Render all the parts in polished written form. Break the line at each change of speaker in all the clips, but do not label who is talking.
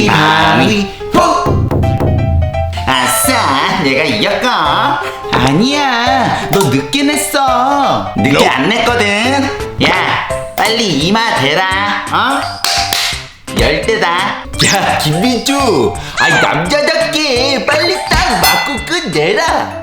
가위바위보. 아싸, 내가 이겼고. 아니야, 너 늦게 냈어. 늦게 안 냈거든. 야, 빨리 이마 대라. 어? 10대다. 야, 김민주, 아이 남자답게 빨리 딱 맞고 끝내라.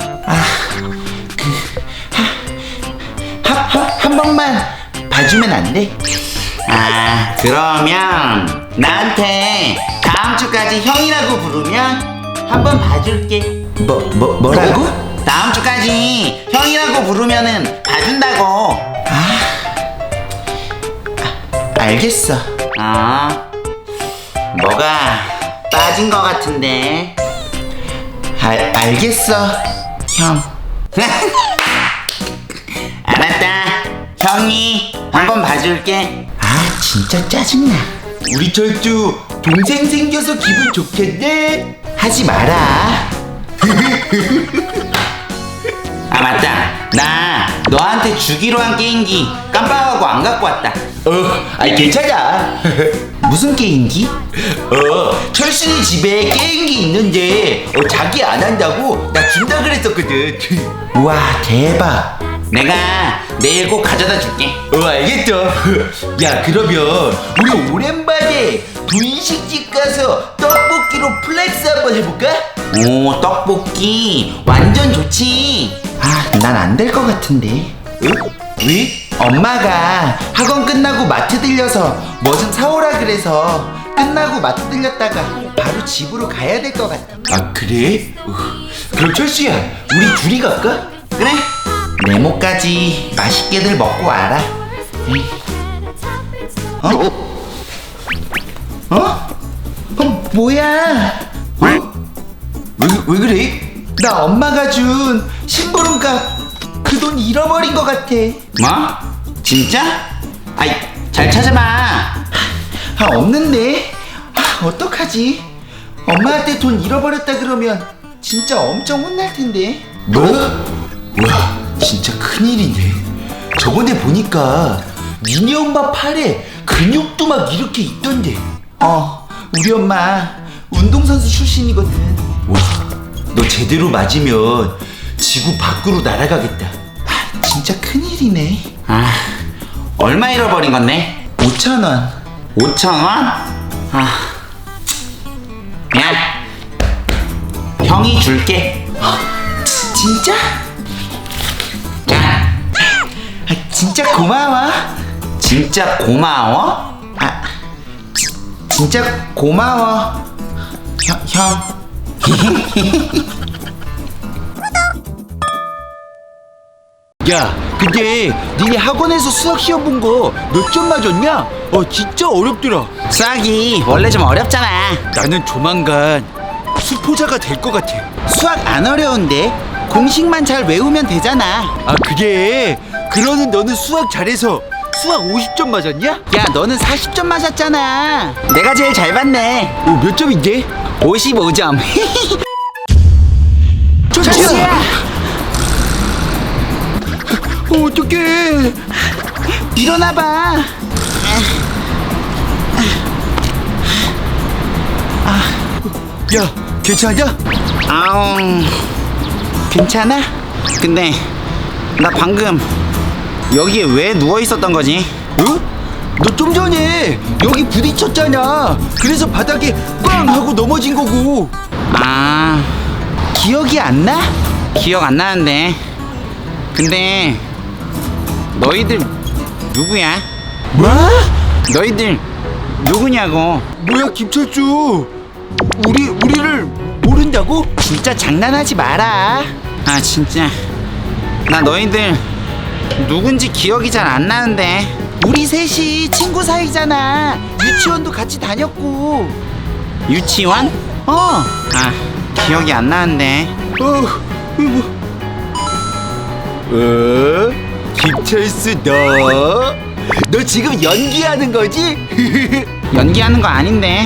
한 번만 봐주면 안 돼? 아, 그러면 나한테 다음 주까지 형이라고 부르면 한 번 봐줄게. 뭐라고? 다음 주까지 형이라고 부르면은 봐준다고. 알겠어. 뭐가 빠진 것 같은데. 알겠어, 형. 알았다. 형이 한번 봐줄게. 진짜 짜증나. 우리 철주 동생 생겨서 기분 좋겠네. 하지 마라. 맞다. 나 너한테 주기로 한 게임기 깜빡하고 안 갖고 왔다. 괜찮아. 무슨 게임기? 철순이 집에 게임기 있는데 자기 안 한다고 나 준다 그랬었거든. 우와, 대박. 내가 내일 꼭 가져다 줄게. 알겠죠. 야, 그러면 우리 오랜만에 분식집 가서 떡볶이로 플렉스 한번 해볼까? 오, 떡볶이 완전 좋지. 난 안 될 것 같은데. 왜? 엄마가 학원 끝나고 마트 들려서 뭐 좀 사오라 그래서 끝나고 마트 들렸다가 바로 집으로 가야 될 것 같아. 그래? 그럼 철수야, 우리 둘이 갈까? 그래. 네모까지 맛있게들 먹고 와라. 뭐야? 왜 그래? 나 엄마가 준 심부름값 그 돈 잃어버린 것 같아. 뭐? 진짜? 아이, 잘 찾아봐. 없는데. 어떡하지? 엄마한테 돈 잃어버렸다 그러면 진짜 엄청 혼날 텐데. 뭐? 와, 진짜 큰일이네. 저번에 보니까 니네 엄마 팔에 근육도 막 이렇게 있던데. 우리 엄마 운동선수 출신이거든. 와, 너 제대로 맞으면 지구 밖으로 날아가겠다. 진짜 큰일이네. 얼마 잃어버린 건데? 5,000원. 5,000원? 야, 형이 줄게. 진짜? 자. 진짜 고마워. 진짜 고마워? 진짜 고마워. 형. 야, 근데 니네 학원에서 수학 시험 본 거 몇 점 맞았냐? 진짜 어렵더라. 수학이 원래 좀 어렵잖아. 나는 조만간 수포자가 될 것 같아. 수학 안 어려운데 공식만 잘 외우면 되잖아. 그래? 그러는 너는 수학 잘해서 수학 50점 맞았냐? 야, 너는 40점 맞았잖아. 내가 제일 잘 봤네. 몇 점인데? 55점. 철수야! 어떡해. 일어나봐. 야, 괜찮냐? 괜찮아? 근데 나 방금 여기에 왜 누워 있었던 거지? 너 좀 전에 여기 부딪혔잖아. 그래서 바닥에 꽝 하고 넘어진 거고. 기억이 안 나? 기억 안 나는데. 근데 너희들 누구야? 뭐? 너희들 누구냐고. 뭐야, 김철주, 우리를 모른다고? 진짜 장난하지 마라. 진짜 나 너희들 누군지 기억이 잘 안 나는데. 우리 셋이 친구 사이잖아. 유치원도 같이 다녔고. 유치원? 기억이 안 나는데. 김철수, 너 지금 연기하는 거지? 연기하는 거 아닌데.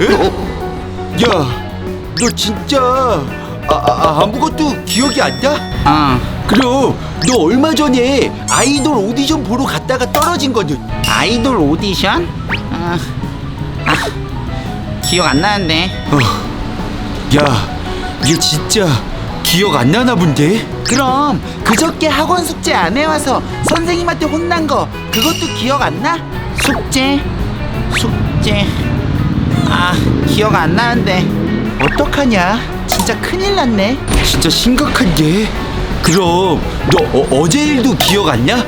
야, 너 진짜 아무것도 기억이 안 나? 그럼 너 얼마 전에 아이돌 오디션 보러 갔다가 떨어진 거는? 아이돌 오디션? 기억 안 나는데.
야, 얘 진짜 기억 안 나나 본데?
그럼 그저께 학원 숙제 안 해와서 선생님한테 혼난 거 그것도 기억 안 나? 숙제? 아, 기억 안 나는데 어떡하냐? 진짜 큰일 났네.
진짜 심각한데? 그럼 너 어제 일도 기억 안 나?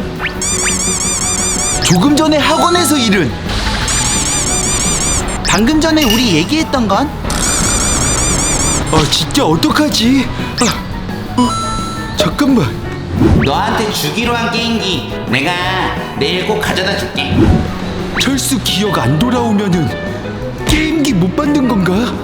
조금 전에 학원에서 일은?
방금 전에 우리 얘기했던 건?
진짜 어떡하지? 잠깐만.
너한테 주기로 한 게임기 내가 내일 꼭 가져다 줄게.
철수 기억 안 돌아오면은 게임기 못 받는 건가?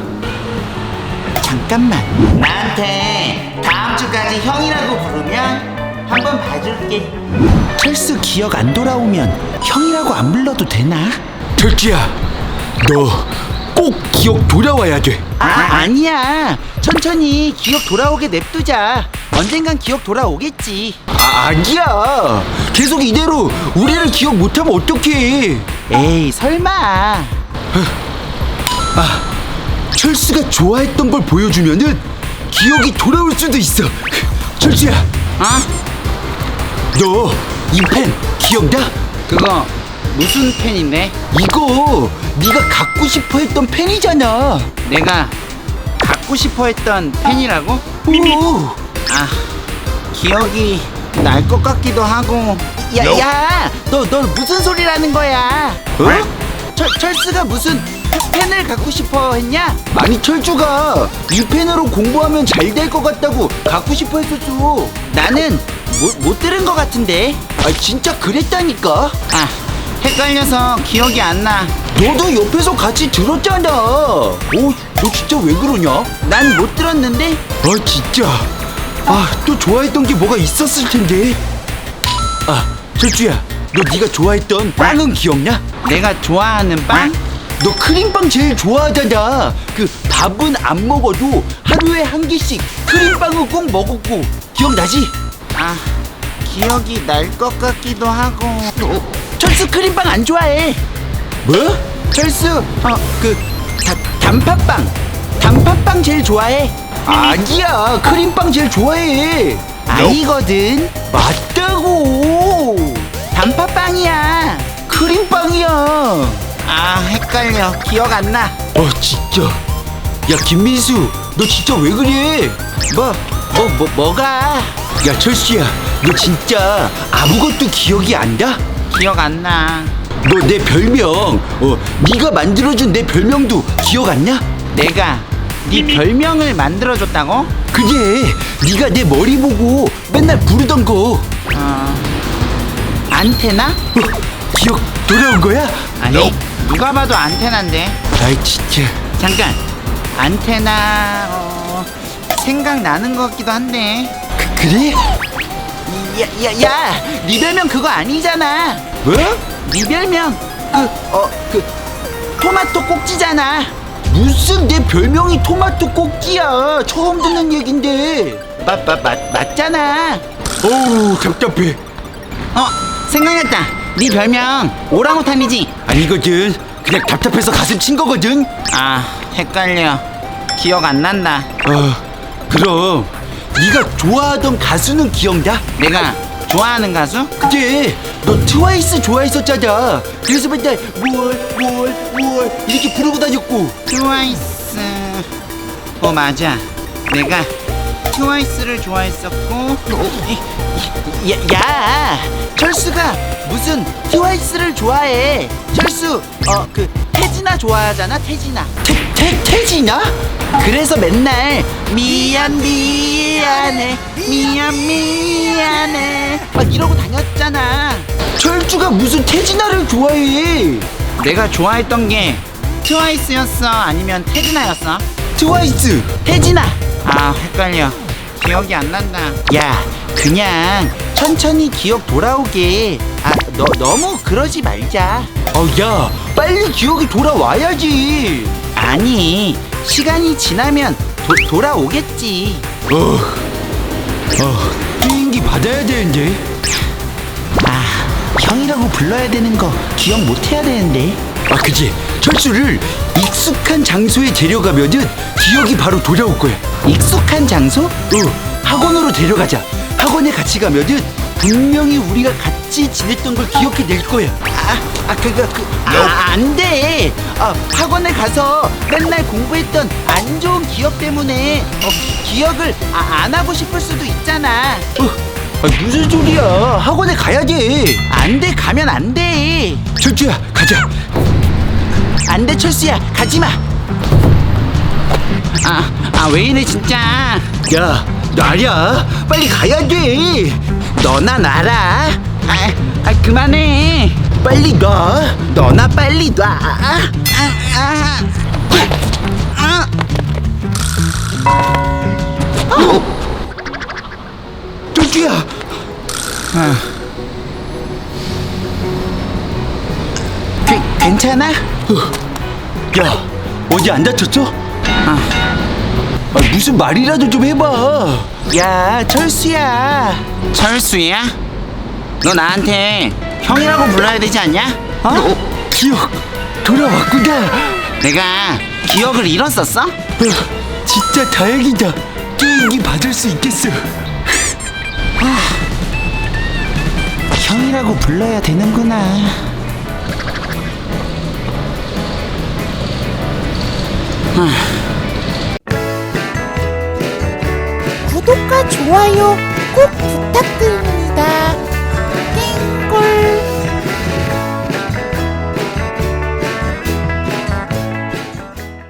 잠깐만, 나한테 다음 주까지 형이라고 부르면 한번 봐줄게. 철수 기억 안 돌아오면 형이라고 안 불러도 되나?
철수야, 너 꼭 기억 돌아와야 돼.
아니야. 천천히 기억 돌아오게 냅두자. 언젠간 기억 돌아오겠지.
아니야. 계속 이대로 우리를 기억 못하면 어떡해.
에이, 설마.
철수가 좋아했던 걸 보여주면은 기억이 돌아올 수도 있어. 철수야, 너 이 펜 기억나?
그거 무슨 펜인데?
이거 네가 갖고 싶어 했던 펜이잖아.
내가 갖고 싶어 했던 펜이라고?
오.
기억이 날 것 같기도 하고. 야, 너 무슨 소리라는 거야? 철수가 무슨 펜을 갖고 싶어 했냐?
아니, 철주가 이 펜으로 공부하면 잘 될 것 같다고 갖고 싶어 했었어.
나는 못 들은 것 같은데.
진짜 그랬다니까.
헷갈려서 기억이 안 나.
너도 옆에서 같이 들었잖아. 너 진짜 왜 그러냐?
난 못 들었는데.
진짜. 또 좋아했던 게 뭐가 있었을 텐데. 철주야, 너 네가 좋아했던 빵은 기억나?
내가 좋아하는 빵?
너 크림빵 제일 좋아하잖아. 그 밥은 안 먹어도 하루에 한 개씩 크림빵을 꼭 먹었고. 기억나지?
기억이 날 것 같기도 하고. 철수 크림빵 안 좋아해.
뭐?
철수 단팥빵 제일 좋아해.
아니야, 크림빵 제일 좋아해.
아니거든.
맞다고.
단팥빵이야.
크림빵이야.
헷갈려. 기억 안 나.
진짜. 야, 김민수, 너 진짜 왜 그래?
뭐가?
야, 철수야, 너 진짜 아무것도 기억이 안 나?
기억 안 나.
너 내 별명, 네가 만들어준 내 별명도 기억 안 나?
내가 네 별명을 만들어줬다고?
그게 네가 내 머리 보고 맨날 부르던 거.
안테나?
기억 돌아온 거야?
아니, 누가 봐도 안테나인데.
진짜.
잠깐, 안테나 생각나는 것 같기도 한데.
그래?
야, 네 별명 그거 아니잖아.
뭐?
네 별명 토마토 꼭지잖아.
무슨 내 별명이 토마토 꼭지야? 처음 듣는 얘긴데.
맞잖아.
어우, 답답해.
생각났다. 네 별명 오랑우탄이지?
아니거든. 그냥 답답해서 가슴 친 거거든.
헷갈려. 기억 안 난다.
그럼 네가 좋아하던 가수는 기억나?
내가 좋아하는 가수?
그때 너 트와이스 좋아했었잖아. 그래서 맨날 뭘 이렇게 부르고 다녔고.
트와이스. 맞아. 내가 트와이스를 좋아했었고. 야, 철수가 무슨 트와이스를 좋아해? 철수 태진아 좋아하잖아. 태진아.
태진아?
그래서 맨날 미안해 막 이러고 다녔잖아.
철주가 무슨 태진아를 좋아해?
내가 좋아했던 게 트와이스였어 아니면 태진아였어?
트와이스.
태진아. 헷갈려. 기억이 안 난다. 야, 그냥 천천히 기억 돌아오게. 너무 그러지 말자.
야, 빨리 기억이 돌아와야지.
아니, 시간이 지나면 돌아오겠지.
게임기 받아야 되는데.
형이라고 불러야 되는 거 기억 못 해야 되는데.
그치. 철수를 익숙한 장소에 데려가면은 기억이 바로 돌아올 거야.
익숙한 장소?
학원으로 데려가자. 학원에 같이 가면은 분명히 우리가 같이 지냈던 걸 기억해낼 거야.
안 돼. 학원에 가서 맨날 공부했던 안 좋은 기억 때문에 기억을 안 하고 싶을 수도 있잖아.
무슨 소리야? 학원에 가야 돼.
안 돼, 가면 안 돼.
철수야, 가자.
안 돼, 철수야, 가지 마. 왜 이래 진짜.
야, 놔야. 빨리 가야 돼.
너나 놔라. 그만해.
빨리 놔.
너나 빨리 놔.
철수야.
괜찮아?
야, 어디 안 다쳤어? 무슨 말이라도 좀 해봐.
야, 철수야. 철수야? 너 나한테 형이라고 불러야 되지 않냐?
기억 돌아왔구나.
내가 기억을 잃었었어?
진짜 다행이다. 게임기 받을 수 있겠어.
형이라고 불러야 되는구나.
구독과 좋아요 꼭 부탁드립니다.